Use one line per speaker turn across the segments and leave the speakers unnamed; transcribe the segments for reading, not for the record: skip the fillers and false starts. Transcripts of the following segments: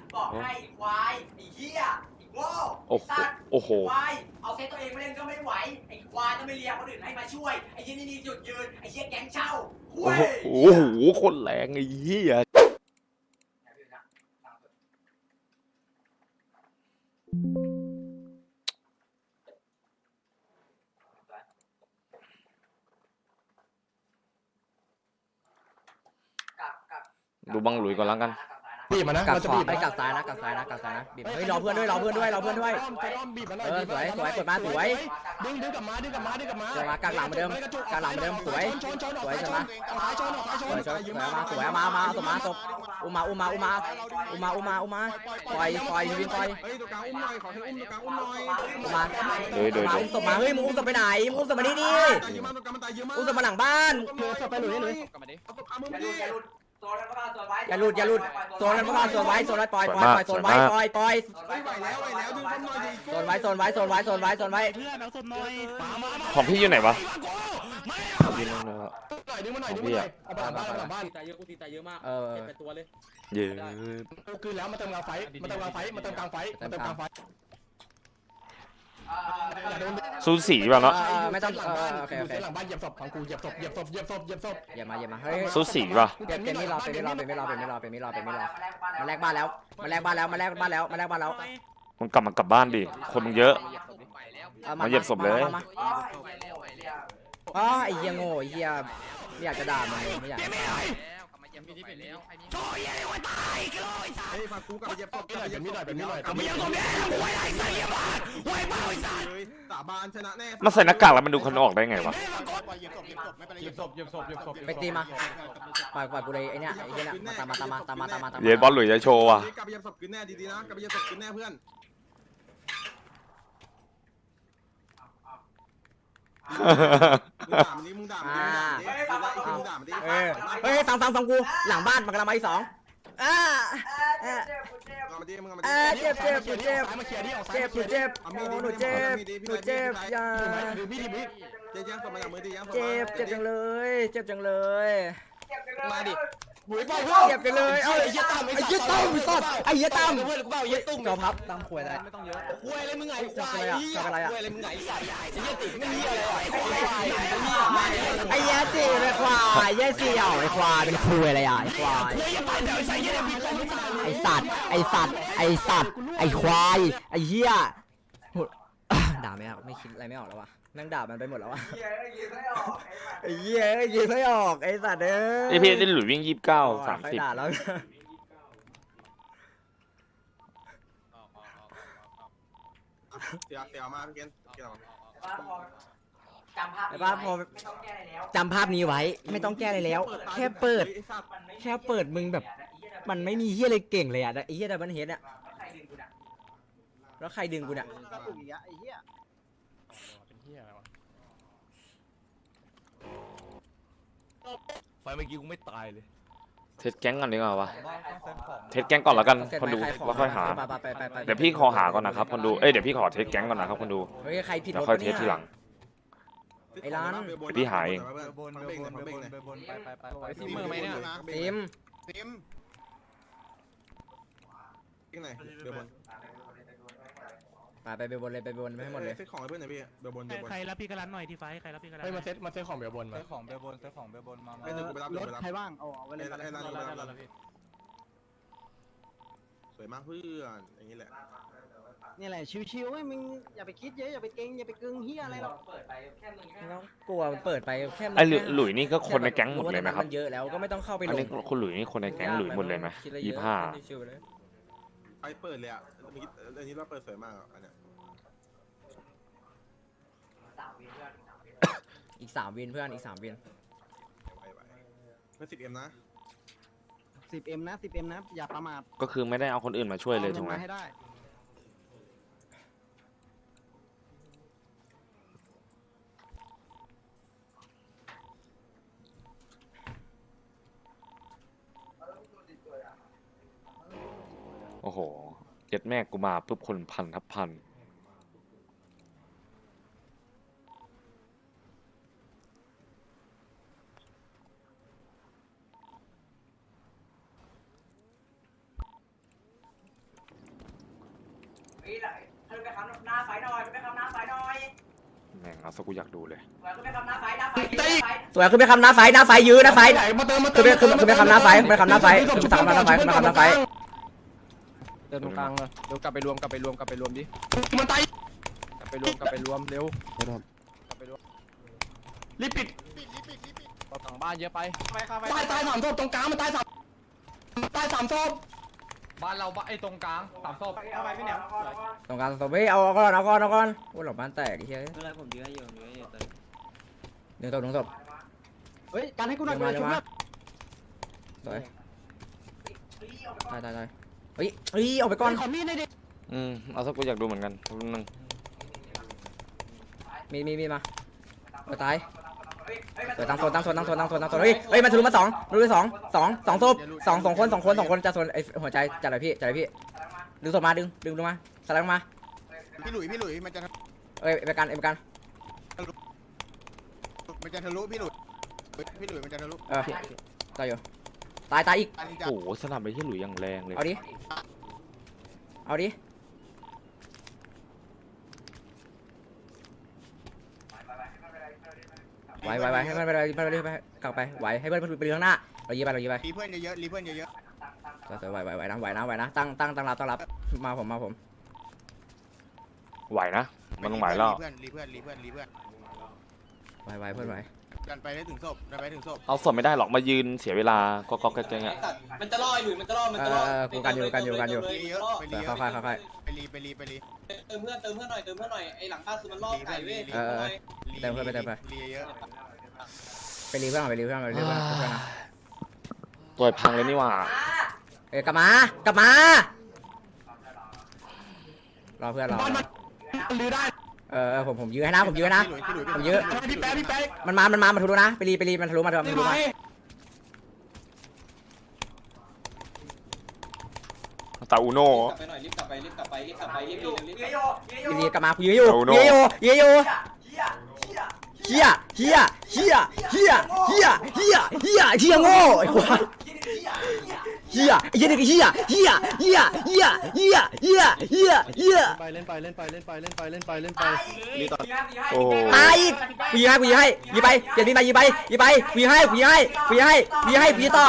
บอกให้ควายไอ้เหี้ยไอ้โง่ไอ้สัตว์ควายเอาเซตตัวเองมาเล่นก็ไม่ไหวไอ้ควายต้องไม่เรียกคนอื่นให้มาช่วยไอ้เหี้ยนี่หยุดยืนไอ้เหี้ยแก๊งเช่าคุย
โอ้โหคนแรงไอ้เหี้ยดูบังหลุยก่อนแล้วกัน
บีบมานะ
กัด
เราจะ
ขวา
บีบ
ไปกัดซ้ายนะกัดซ้ายนะกัดซ้ายนะบีบเฮ้ยรอเพื่อนด้วยรอเพื่อนด้วยรอเพื่อนด้วย
บีบมาหน่อย
สวยสวยกดมาสวย
ดึงกลับมาดึงกลับมาดึงกลับมา
เดี๋ยวมากางหลังเหมือนเดิมกางหลังเหมือนเดิมสวยสวยใช่ไหมสวยสวยมาสมาศพอุ้มาปล่อยวินปล่อย
เฮ้ยตัวกลางอุ้มหน่อยขอให้อุ้มตัวกลางอุ้มหน่อย
มาอุ้มศพมาเฮ้ยมึงอุ้มศพไปไหนมึงอุ้มศพมานี่ดิ
ตายเยอะมากตัวกลางมันตายเยอะมาก
อุ้มศพมาหลังบ้าน
ศพไปหลุยเอาศพอามือดิ
อย่าหลุดโซนนั้นพวกเราโซนไว้โซนไว้ปล่อยโซนไว้ปล่อย
ไหวแล้วดึงคนหน่อยดิ
โซนไว้โซนไว้
เพื่อนเอาศพหน่อย
ของพี่อยู่ไหนวะพี่นั่นเลย
ดึงมาหน่อยดึงมาหน่อยเอาไปหลังบ้าน
ตายเยอะกูตีตายเยอะมากเก็บเป็นตัวเลย
เย้
กูคืนแล้วมาเติมกลางไฟมาเติมกลางไฟมาเติมกลางไฟมาเติมกลางไฟ
ซูสีป่ะเนาะ
ไม่ต้อง
หลังบ้าน
โอเค
หลังบ้านเหยียบศพของกูเหยียบศพ
อย่ามาเฮ้ย
ซูสีป่ะ
เป็นไม่รอมาแลกบ้านแล้ว
มึงกลับบ้านดิคนมึงเยอะมาเหยียบศพเลย
อ๋อไอ้เหี้ยโง่ไอ้เหี้ยไม่อยากจะด่ามึงไม่อยากจะด่า
เฮ้ยพากูกลับไปเหยียบศพเป็นมิดหน่อยสาบานชนะแน่
มาใส่หน้ากากแล้วมันดูคนออกได้ไงวะ
เหยียบศพ
ไปตีมาปล่อยกูเลยไอ้เนี่ยไอ้เหี้ยเนี่ยตามมา
เย็นบอลหลุยจะโชว์ว่ะ
กลับไปเหยียบศพคืนแน่ดีๆนะกลับไปเหยียบศพคืนแน่เพื่อนมึงด่ามันดิ
เฮ้ยฟังกูหลังบ้านมันกำลังมาที่2เจ็บโอ้หนูเจ็บอย่าเจ็บจังเลย
มาดิ
เจ็บจังเลยไอ้เหี้ยตั้มจอพับตั้มขวยได้
ไม่ต้องเยอะ
คุยอะไรมึงไง
จบอะไรอ่ะ
คุยอะไรมึงไงใส่ไอ้เหี้ยติดไม่มีอะไร
ไอ้เหี้ยจีเป็นควายเหี้ยจีเหรอไอ้ควายเป็นคุยอะไรอ่ะไอ้ควายไอ้สัตว์ไอ้ควายไอ้เหี้ยด่าไม่ออกไม่คิดอะไรไม่ออกแล้ววะนั่งด่ามันไปหมดแล้ววะไอ้เหี้ยยิงไม่ออกไอ้สัตว์
ไอพี่ได้หลุยวิ่ง29 30
ด่าแล้ว
เสียมาพี่เกณฑ์
จำภาพนี้ไว้ไม่ต้องแก้อะไรแล้วแค่เปิดมึงแบบมันไม่มีเหี้ยอะไรเก่งเลยอ่ะไอ้เหี้ยดับเบิลเฮดอ่ะแล้วใครดึงกูเนี่ย
ไฟเมื่อกี้กูไม่ตายเลย
เทสแก๊งก่อนดีกว่าวะเทสแก๊งก่อนแล้วกันคนดูแล้วค่อยหาเดี๋ยวพี่ขอหาก่อนนะครับคนดูเดี๋ยวพี่ขอเทสแก๊งก่อนนะครับคนดู
เฮ้ยใครผิด
แล้ว
รถ
ค่อยเท
เนี่
ส
ย
ทีหลัง
ไอ้ร้าน
พี่หาเอง
ไปซิมเมอร์ไหมเนี่ย
ซิม
ที่ไหนเบลบน
ไปเบลบนเลยไปเบลบนไปให้หมดเลย
เซ็ตของให้เพื่อนหน่อยพี่เบลบน
ใครรับพี่กระลันหน่อยที่ไฟใครรับพี่กระลัน
เฮ้ยมาเซ็ตของเบลบนมา
ซื้อของเบลบนมา
ให้กูไปรับรถใครบ้างเอาไว้เลยสวยมากเพื่อนอย่างนี้แหละ
นี่แหละชิวๆไอ้มึงอย่าไปคิดเยอะอย่าไปเก่งอย่าไปกึ่งเฮียอะไรหรอก
ไม่ต้องกลัวเปิดไปแค่
ไอ้หลุยนี่ก็คนในแก๊งหมดเลยไหมครับ
เยอะแล้วก็ไม่ต้องเข้าไป
อัน
ล
นี้
ง
คุณหลุยนี่คนในแก๊งหลุยหมดเลยไหม25
ไปเปิดเลยอ่ะอันนี้เราเปิดสวยมากอันเนี้ย
อีก3วินเพื่อนอีก3วิน
เพื่อน10M นะ
10M นะอย่าประมาท
ก็คือไม่ได้เอาคนอื่นมาช่วยเลยถูกไหม
ให้ได้
โอ้โหเย็ดแม่กูมาปุ๊บคนพันทับพัน
นี่แหละขึ้นไปคำหน้าไฟหน่อยขึ้นไปคำหน้าไฟหน่อย
แม่งเอาซะกูอยากดูเลย
ขึ้นไปคำหน้าไฟหน้าไฟ
สวยขึ้นไปคำหน้าไฟหน้าไฟยื้อหน้าไฟขึ้นไปคำหน้าไฟไปคำหน้าไฟขึ้นไปคำหน้าไฟขึ้นไปคำหน้าไฟ
เดินตรงกลางเลยเดี๋ยวกลับไปรวมดิมันตายกลับไปรวมเร็วรีบปิดเราต่างบ้านเยอะไปตาย3 ศพตรงกลางมันตาย3 ศพบ้านเราไอ้ตรงกลาง3 ศพเอาไปพี่เหนียว
ตรงกลางตบเอาก่อนโอ้หลับบ้านแตกไอ้เหี้ย
อะไรผมยื้ออยู่
หนึ่งศพ
เฮ้ยการให้กูหน่อยกูชุบนะ
สวยตายเฮ้ยออกไปก่อน
ขอมีดหน่อยดิ
เอาซะกูอยากดูเหมือนกันนึง
มีมาตายตั้งโซนเฮ้ยมันทะลุมา2ศพ2คนจะโซนไอ้หัวใจจัดเลยพี่ดึงศพมาดึงลงมาสไลด์ลงมา
พี่หลุยมันจะ
ไปกัน
ทะลุพี่หลุยมันจะทะลุ
ตายอยู่ตายอีก
โอ้โหสนามไปที่หลุยอย่างแรงเลย
เอาดิไหวให้มันไปกลับไปไหวให้เพื่อนไปข้างหน้าเรายีไป
รีเพื่อนเยอะๆ
ไหวนะตั้งรับมาผม
ไหวนะมันต้องไหวแล้ว
รีเพื่อนไหวเพื่อนไหวกันไปได้ถึงศพ
เอาศพไม่ได้หรอกมายืนเสียเวลาก็แกงอ่ะ
มันจะล่ออยู่มันจะล่อ
กูกันอยู่
ไปรี
ค่อย
เติมเพื่อนหน่อยไอ้หลังบ้านคือมันล่อไก่เว้ย
เติมเพื่อนไป
รีเยอะ
ไปรีเพื่อนนะ
ตัวพังเลยนี่หว่าก
ลับมารอเพื่อนรอ
ลื้อได้
ผมยื้อให้นะผมยื้อ
พี่แป๊ะ
มันมาทะลุนะไปรีมันทะลุมา
ตาอูโน่
รีบกลับไป
เยโย
รีกลับมายื้ออยู่เฮียโง่ไอ้ควายเฮียเด็กเฮีย
ไปเล่นไป
โอ้
ตายอีกกูยิงให้ยิงไปเดี๋ยวนี้ไปกูยิงให้ต่อ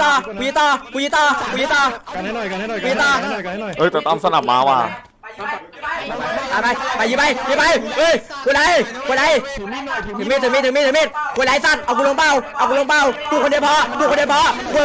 กันให้หน่อย
เอ้ยแต่ตามสนับมาว่ะ
ไปยิงไปเฮ้ยกูไหนถึงมีดกูไหนสั้นเอากูลงเป้ากูคนเดียวพอ
อย่าห่วงเล่น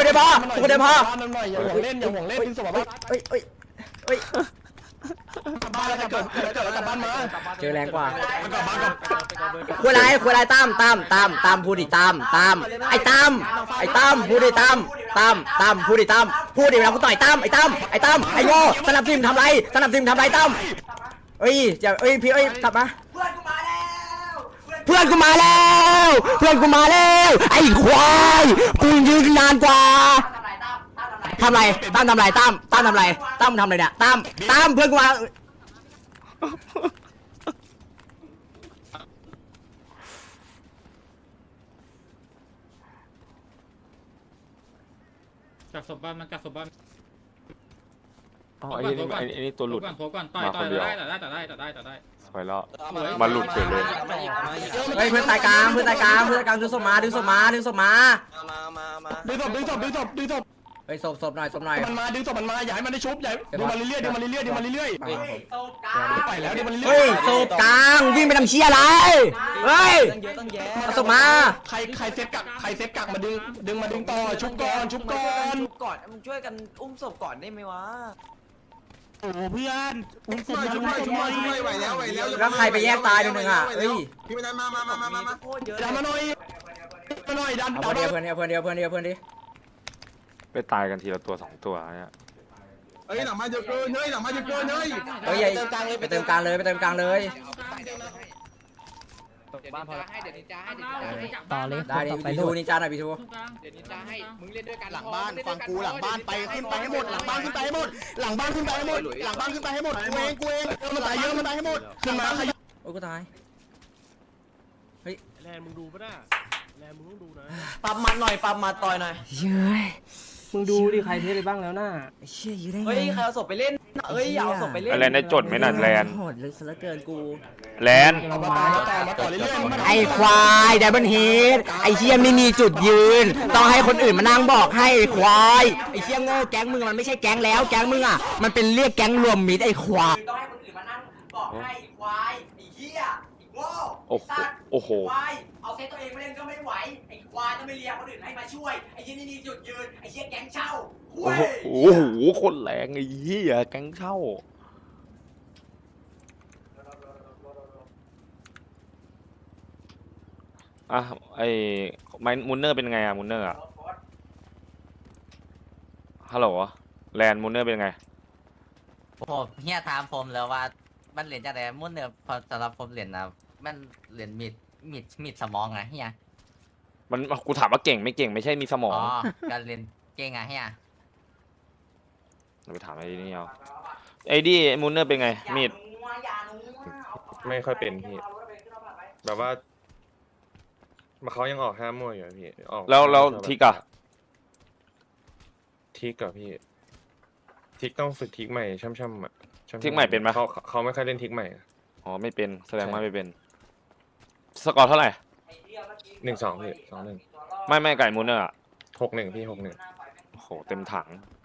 ดึงศพมา
เฮ้ย
บ้านแล้วเกิดกลับบ้านมา
เจอแรงกว่า
กลับบ้านกับ
คุยไรตามพูดดิตามไอ้ตามพูดดิตามพูดดิเวลากูต่อยตามไอ้โง่สนับสนุนทำไรตามพี่กลับมาเพื่อนกูมาแล้วไอ้ควายกูยืนนานกว่าทำไรตั้มทำไรเนี่ยตั้มเพื่อนกูมา
กักศพบ้านมันกักศพบ้าน
อ๋อไอ้นี่ตัวหลุด
ก่อนต่อยได้
สวยแล้วมาหลุดเฉยเลย
เฮ้ยเพื่อนตายกลางดึงศพมา
มา
ดึงศพ
เฮ้ยศพหน่อย
มันมาดึงศพมันมาอย่าให้มันได้ชุบอย่าดึงมาเรื่อยไปแล้วดึงมันเรื่อย
เฮ้ยศพกลางวิ่งไปทำเชี่ยอะไรเฮ้ย
ตั้งแย่
ศพมา
ใครเซฟกักมาดึงต่อชุบก่อน
มึงช่วยกันอุ้มศพก่อนได้ไหมวะ
โอ้เพื่อนอุ้มศพ
ชุบหน่อยไหวแล้ว
แล้วใครไปแยกตายนึงอ่ะเฮ้ย
พี่ไม่ได้มา
โคตรเยอะ
ดันมาหน่อยดัน
เอาเพื่อนดิ
ไปตายกันทีละตัว2ตัวเนี่ย
เฮ้ยหลังมาจะเกินเฮ้ย
เฮ้ยไปเติมกลางเลย
บ้านพอแล้ว
ต่อเลย
ได้ดิบีทูนินจาหน่อยบีทู
เดี๋ยวนินจาให้มึงเล่นด้วยกัน
หลังบ้านฟังกูหลังบ้านไปขึ้นไปให้หมดหลังบ้านขึ้นไปให้หมดกูเองมันตายเยอะให้หมดขึ้นมา
โอ้ยกูตาย
แลนมึงดูป่ะน่ะแลนมึงต้องดูนะ
ปั๊มมันหน่อยปั๊มมาต่อยหน่อย
เย้ย
มึงดูดิใครเทสไปบ้างแล้วน่า
เชี่ยอยู่ได้ไง
เฮ้ยใครเอาศพไปเล่น
เอ้ยเอาศพไปเล่น
อะไรนะจดไหมน่ะแลน
โหดเลยซะเหลือเกินกู
แลน
ไอ้ควายไดบันฮีทไอ้เชี่ยไม่มีจุดยืน ต้องให้คนอื่นมานั่งบอกให้ไอ้ควายไอ้เชี่ยโง่แก๊งมึงมันไม่ใช่แก๊งแล้วแก๊งมึงอ่ะมันเป็นเรียกแก๊งรวมมิตรไอ้ควาย
ต้องให้คนอื่นมานั่งบอกให้ไอ้ควายไอ้เหี้ยไอ้โง่
โอ้โห
สัตว์
โอ้โห
ควายเอาเซตตัวเองมาเล่นก็ไม่ไหวไอ้ควายต้องไปเรียกคนอื่นให้มาช่วยไอ้เหี้ยนี่มีจุดยืนไอ้เหี้ยแก๊งเช่าคุ
โอ้
ย
โหโอ้โหคนแรงไอ้เหี้ยแก๊งเช่าอ่ะไอ้ไมมุนเนอร์เป็นไงอะมุนเนอร์อะฮัลโหลแลนมุนเนอร์เป็นไง
ผมเฮียถามผมแล้วว่ามันเหรียญจากไหนมุ่นเนี่ยพอสำหรับผมเหรียญนะมันเหรียญมีดสมองไงเฮีย
มันกูถามว่าเก่งไม่เก่งไม่ใช่มีสมอ
อ๋
ง
อการเรียนเก่งไงเฮีย
เราไปถามไอ้นี่เอาไอ้ดิมุนเนอร์เป็นไงมีด
ไม่ค่อยเป็นพี่ แบบว่าเขายังออกห้ามมั่วอยู่อะพี่ออก
แล้วทิกอะ
ทิกกับพี่ทิกต้องฝึกทิกใหม่ช่ำๆอ่ะช่ำๆ
ทิกใหม่เป็นไหม
เขาไม่ค่อยเล่นทิกใหม่
อ๋อไม่เป็นแสดงว่าไม่เป็นสกอร์เท่าไหร่
1-2พี่2-1
ไม่ไก่มุนเนอร์อะ
6-1พี่6-1
โอ้โหเต็มถัง